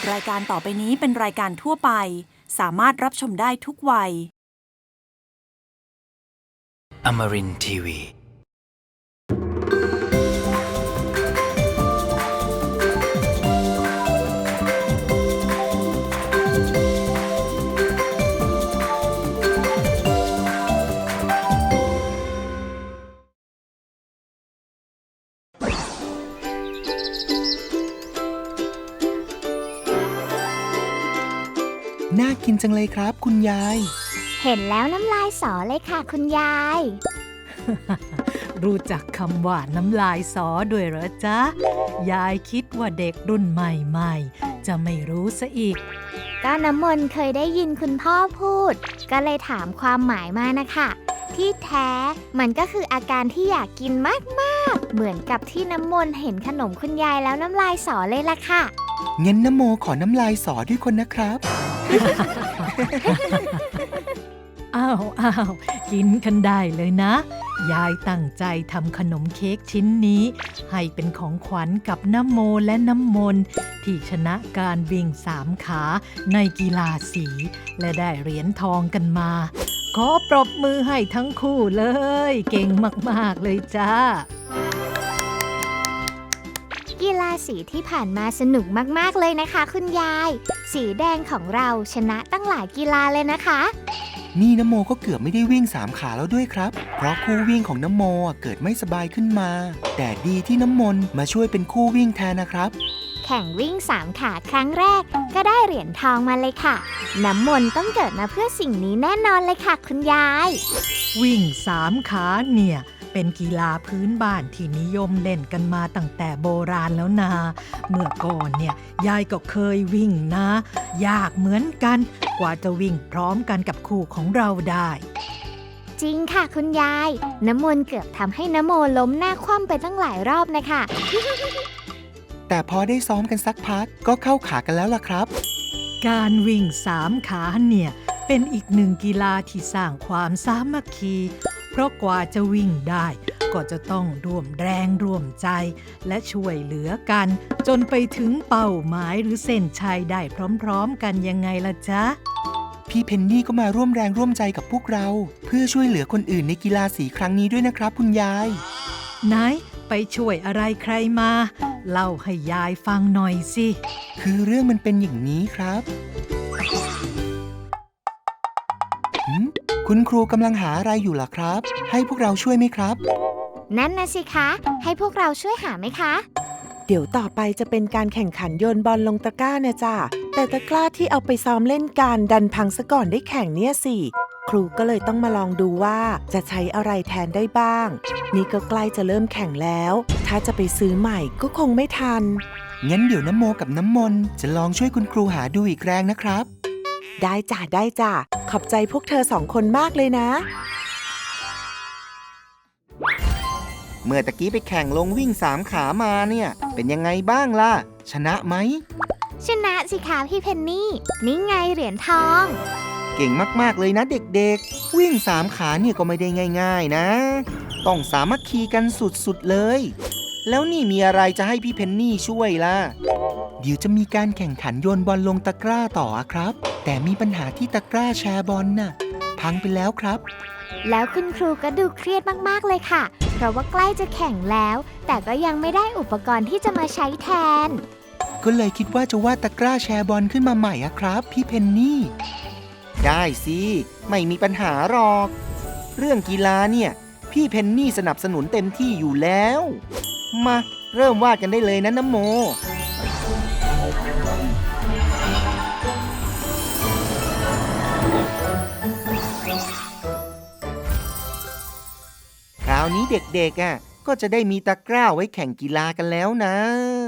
รายการต่อไปนี้เป็นรายการทั่วไปสามารถรับชมได้ทุกวัย Amarin Tiwi. น่ากินจังเลยครับคุณยายเห็นแล้วน้ำลายสอเลยค่ะคุณยายรู้จักคำว่าน้ำลายสอด้วยเหรอจ๊ะ ยายคิดว่าเด็กรุ่นใหม่ๆจะไม่รู้ซะอีกก็น้ำมนต์เคยได้ยินคุณพ่อพูด ก็เลยถามความหมายมานะคะที่แท้มันก็คืออาการที่อยากกินมากๆเหมือนกับที่น้ำมนต์เห็นขนมคุณยายแล้วน้ำลายสอเลยล่ะค่ะงั้นนโมขอน้ำลายสอด้วยคนนะครับอ้าวกินกันได้เลยนะ ยายตั้งใจทำขนมเค้กชิ้นนี้ ให้เป็นของขวัญกับน้ำโมและน้ำมนต์ที่ชนะการวิ่ง3 ขาในกีฬาสี และได้เหรียญทองกันมา ขอปรบมือให้ทั้งคู่เลย เก่งมากๆเลยจ้ากีฬาสีที่ผ่านมาสนุกมากๆเลยนะคะคุณยาย สีแดงของเราชนะตั้งหลายกีฬาเลยนะคะนี่นโมก็เกือบไม่ได้วิ่ง3 ขาแล้วด้วยครับ เพราะคู่วิ่งของนโมเกิดไม่สบายขึ้นมา แต่ดีที่น้ำมนต์มาช่วยเป็นคู่วิ่งแทนนะครับแข่งวิ่ง3 ขาครั้งแรกก็ได้เหรียญทองมาเลยค่ะ น้ำมนต์ต้องเกิดมาเพื่อสิ่งนี้แน่นอนเลยค่ะคุณยายวิ่ง3 ขาเนี่ยเป็นกีฬาพื้นบ้านที่นิยมเล่นกันมาตั้งแต่โบราณแล้วนะเมื่อก่อนเนี่ยยายก็เคยวิ่งนะ ยากเหมือนกันกว่าจะวิ่งพร้อมกันกับคู่ของเราได้จริงค่ะคุณยาย น้ำมนต์เกือบทำให้น้ำโมล้มหน้าคว่ำไปตั้งหลายรอบนะคะแต่พอได้ซ้อมกันสักพักก็เข้าขากันแล้วล่ะครับการวิ่ง3 ขาเนี่ยเป็นอีกหนึ่งกีฬาที่สร้างความสามัคคีเพราะกว่าจะวิ่งได้ก็จะต้องร่วมแรงร่วมใจและช่วยเหลือกันจนไปถึงเป้าหมายหรือเส้นชัยได้พร้อมๆกันยังไงล่ะจ๊ะพี่เพนนี่ก็มาร่วมแรงร่วมใจกับพวกเรา เพื่อช่วยเหลือคนอื่นในกีฬาสีครั้งนี้ด้วยนะครับคุณยายไหนไปช่วยอะไรใครมาเล่าให้ยายฟังหน่อยสิคือเรื่องมันเป็นอย่างนี้ครับคุณครูกำลังหาอะไรอยู่ล่ะครับ ให้พวกเราช่วยไหมครับนั่นนะสิคะ ให้พวกเราช่วยหาไหมคะเดี๋ยวต่อไปจะเป็นการแข่งขันโยนบอลลงตะกร้านะจ้ะแต่ตะกร้าที่เอาไปซ้อมเล่นกันดันพังซะก่อนได้แข่งเนี่ยสิครูก็เลยต้องมาลองดูว่าจะใช้อะไรแทนได้บ้างนี่ก็ใกล้จะเริ่มแข่งแล้ว ถ้าจะไปซื้อใหม่ก็คงไม่ทันงั้นเดี๋ยวน้ำโมกับน้ำมนต์จะลองช่วยคุณครูหาดูอีกแรงนะครับได้จ้ะขอบใจพวกเธอ2 คนมากเลยนะเมื่อตะกี้ไปแข่งลงวิ่ง3 ขามาเนี่ยเป็นยังไงบ้างล่ะ ชนะไหมชนะสิคะพี่เพนนี่นี่ไงเหรียญทองเก่งมากๆเลยนะเด็กๆวิ่ง3 ขาเนี่ยก็ไม่ได้ง่ายๆนะต้องสามัคคีกันสุดๆเลยแล้วนี่มีอะไรจะให้พี่เพนนี่ช่วยล่ะเดี๋ยวจะมีการแข่งขันโยนบอลลงตะกร้าต่อครับแต่มีปัญหาที่ตะกร้าแชร์บอลน่ะพังไปแล้วครับแล้วคุณครูก็ดูเครียดมากๆเลยค่ะ เพราะว่าใกล้จะแข่งแล้ว แต่ก็ยังไม่ได้อุปกรณ์ที่จะมาใช้แทนก็เลยคิดว่าจะวาดตะกร้าแชร์บอลขึ้นมาใหม่อะครับพี่เพนนี่ได้สิไม่มีปัญหาหรอกเรื่องกีฬาเนี่ยพี่เพนนี่สนับสนุนเต็มที่อยู่แล้วมาเริ่มวาดกันได้เลยนะน้ำโมคราวนี้เด็กๆก็จะได้มีตะกร้าไว้แข่งกีฬากันแล้วนะ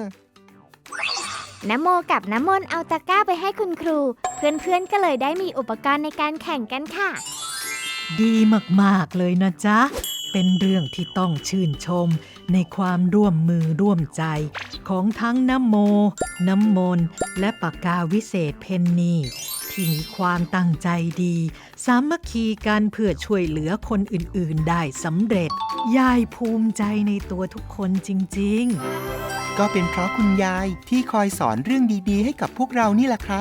น้ำโมกับน้ำมนต์เอาตะกร้าไปให้คุณครู เพื่อนๆก็เลยได้มีอุปกรณ์ในการแข่งกันค่ะดีมากๆเลยนะจ๊ะเป็นเรื่องที่ต้องชื่นชมในความร่วมมือร่วมใจของทั้งน้ำโมน้ำมนต์และปากกาวิเศษเพนนีที่มีความตั้งใจดีสามัคคีกันเพื่อช่วยเหลือคนอื่นๆได้สำเร็จยายภูมิใจในตัวทุกคนจริงๆก็เป็นเพราะคุณยายที่คอยสอนเรื่องดีๆให้กับพวกเรานี่แหละครับ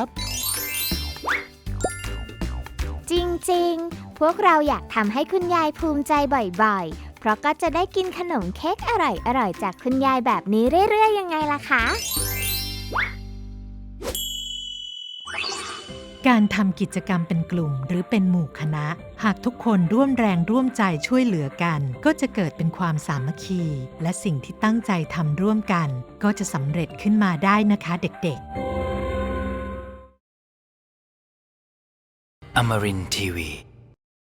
จริงๆ พวกเราอยากทำให้คุณยายภูมิใจบ่อยๆ เพราะก็จะได้กินขนมเค้กอร่อยๆ จากคุณยายแบบนี้เรื่อยๆ ยังไงล่ะคะการทำกิจกรรมเป็นกลุ่มหรือเป็นหมู่คณะ หากทุกคนร่วมแรงร่วมใจช่วยเหลือกัน ก็จะเกิดเป็นความสามัคคี และสิ่งที่ตั้งใจทำร่วมกัน ก็จะสำเร็จขึ้นมาได้นะคะเด็กๆ Amarin Tiwi